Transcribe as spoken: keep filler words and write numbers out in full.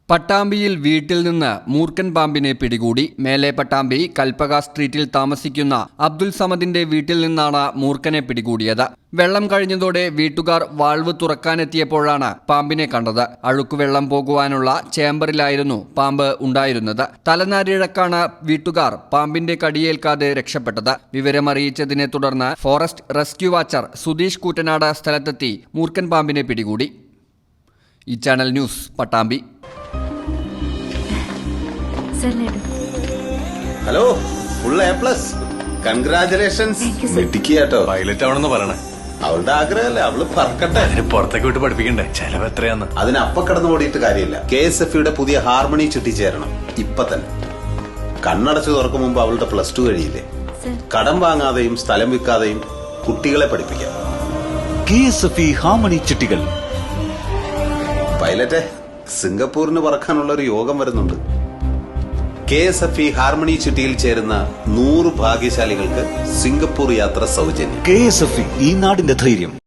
പട്ടാമ്പിയിൽ വീട്ടിൽ നിന്ന് മൂർഖൻ പാമ്പിനെ പിടികൂടി. മേലെ പട്ടാമ്പി കൽപ്പക സ്ട്രീറ്റിൽ താമസിക്കുന്ന അബ്ദുൽ സമദിന്റെ വീട്ടിൽ നിന്നാണ് മൂർഖനെ പിടികൂടിയത്. വെള്ളം കഴിഞ്ഞതോടെ വീട്ടുകാർ വാൾവ് തുറക്കാനെത്തിയപ്പോഴാണ് പാമ്പിനെ കണ്ടത്. അഴുക്കുവെള്ളം പോകുവാനുള്ള ചേംബറിലായിരുന്നു പാമ്പ് ഉണ്ടായിരുന്നത്. തലനാരിഴക്കാണ് വീട്ടുകാർ പാമ്പിന്റെ കടിയേൽക്കാതെ രക്ഷപ്പെട്ടത്. വിവരമറിയിച്ചതിനെ തുടർന്ന് forest rescue watcher Sudheesh Koottanad സ്ഥലത്തെത്തി മൂർഖൻ പാമ്പിനെ പിടികൂടി. ഈ channel news Pattambi. Hello, full A plus, congratulations. വെട്ടിക്കാട്ടോ പൈലറ്റ് ആവണമെന്ന് പറയണേ. അവളുടെ ആഗ്രഹമല്ലേ, അവള് പറക്കട്ടെ. അതിന് പുറത്തേക്ക് വിട്ട് പഠിപ്പിക്കണ്ടേ? ചെലവ് എത്രയാന്ന്? അതിന് അപ്പ കടന്നു ഓടിയിട്ട് കാര്യമില്ല. കെ എസ് എഫ് യുടെ പുതിയ ഹാർമണി ചുറ്റി ചേരണം ഇപ്പൊ തന്നെ. കണ്ണടച്ചു തുറക്കും മുമ്പ് അവളുടെ പ്ലസ് ടു കഴിയില്ലേ. കടം വാങ്ങാതെയും സ്ഥലം വിൽക്കാതെയും കുട്ടികളെ പഠിപ്പിക്കാം. K S F E harmony ചിട്ടികൾ. പൈലറ്റെ, സിംഗപ്പൂരിന് പറക്കാനുള്ള ഒരു യോഗം വരുന്നുണ്ട്. K S F E harmony ചിട്ടിയിൽ ചേരുന്ന നൂറ് ഭാഗ്യശാലികൾക്ക് സിംഗപ്പൂർ യാത്ര സൗജന്യം. കെ എസ് എഫ് ഇ ഈ നാടിന്റെ ധൈര്യം.